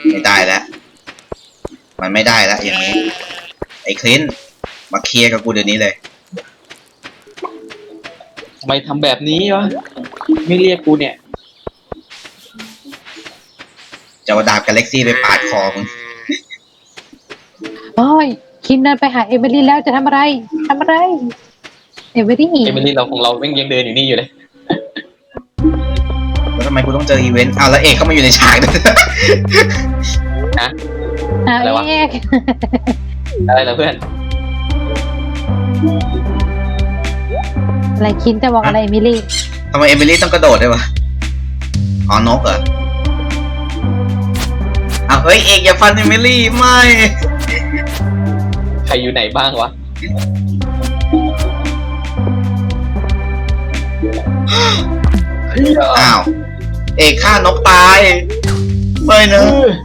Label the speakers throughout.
Speaker 1: ไม่ได้แล้วมันไม่ได้แล้วอย่างนี้ไอ้คลินมาเคลียร์กับกูเดี๋ยวนี้เลย
Speaker 2: ทำไมทำแบบนี้วะไม่เรียกกูเนี่ย
Speaker 1: จะเอาดาบกาแล็กซี่ไปปาดคอมึง
Speaker 3: โอ้ยคินเดินไปหาเอเวอรี่แล้วจะทำอะไรเอเวอรี่
Speaker 2: เอมิลี่เราของเราแม่งยังเดินอยู่นี่อยู่เลย
Speaker 1: แล้วทำไมกูต้องเจออีเวนต์แล้วเอกเข้ามาอยู่ในฉากด้วย
Speaker 2: นะ
Speaker 3: อะไรวะ
Speaker 2: อะไรล่ะเพื่อน
Speaker 3: อะไรคินจะบอกอะไรเอมิลี่
Speaker 1: ทำไมเอมิลี่ต้องกระโดดด้วยวะอ๋อนกเหรออ้าวเฮ้ยเอกอย่าฟันเอมิลี่ไม่
Speaker 2: ใครอยู่ไหนบ้างวะ
Speaker 1: อ้าวเอกฆ่านกตายไม่นะ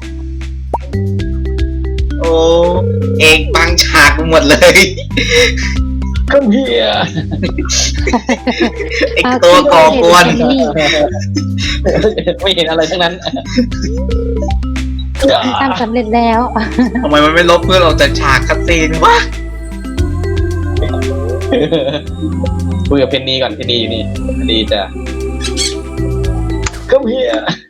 Speaker 1: โอ้เอกบังฉากกูหมดเลย
Speaker 2: ก็เฮีย
Speaker 1: ไอตัวก่อกวน
Speaker 2: ไม่เห็นอะไรทั้งนั้น
Speaker 3: ทำสำเร็จแล้ว
Speaker 1: ทำไมมันไม่ลบเพื่อนออกจากฉากคัตซีนวะ
Speaker 2: คุยกับเพนนีก่อนเพนนีอยู่นี่เพนนีจะก็เฮีย